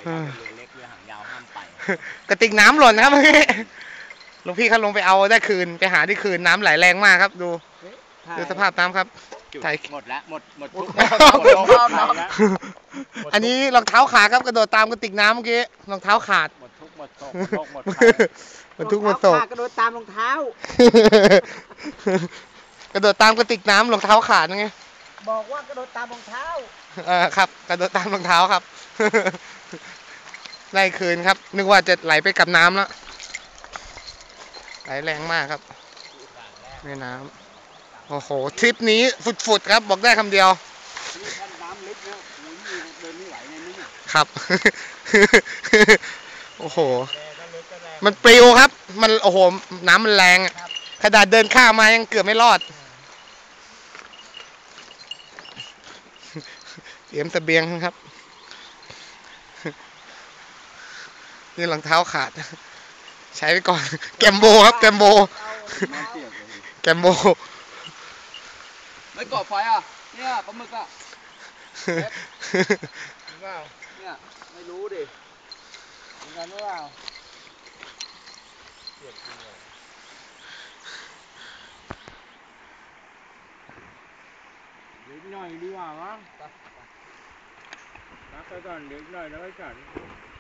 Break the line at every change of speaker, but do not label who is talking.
ได้แต่เรือเล็กเรือหางยาวห้ามไป
กระติกน้ำหล่นนะครับเมื่อกี้หลวงพี่เขาลงไปเอาได้คืนไปหาที่คืนน้ำไหลแรงมากครับดูสภาพน้ำครับถ่าย
หมดแล้วหมดทุก
อันนี้รองเท้าขาดครับกระโดดตามกระติกน้ำเมื่อกี้รองเท้าขาด
หมดทุกหมดโศกหมด
ทุกหมดโศก
กระโดดตามรองเท้
ากระโดดตามกระติกน้ำรองเท้าขาดไง
บอกว่ากระโดดตามรองเท้า
ครับกระโดดตามรองเท้าครับได้คืนครับนึกว่าจะไหลไปกับน้ำแล้วไหลแรงมากครับแม่น้ำโอ้โหทริปนี้ฟุดๆครับบอกได้คำเดียว
น้ำลึกนะเดินไม่ไหวในนี้
ครับโอ้โหมันปลิวครับมันโอ้โหน้ำมันแรงขนาดเดินข้ามมายังเกือบไม่รอดเตรียมเสบียงครับนี่รองเท้าขาดใช้ไปก่อนแกมโบครับแกมโบ
ไม่ก่อไฟอ่ะเนี่ยปลาหมึกอ่ะเนี่ยไม่รู้ดิเหมือนกันหรือเปล่าเดี๋ยวหน่อยดีกว่ามั้งพักไปก่อนเดี๋ยวหน่อยแล้วไปก่อน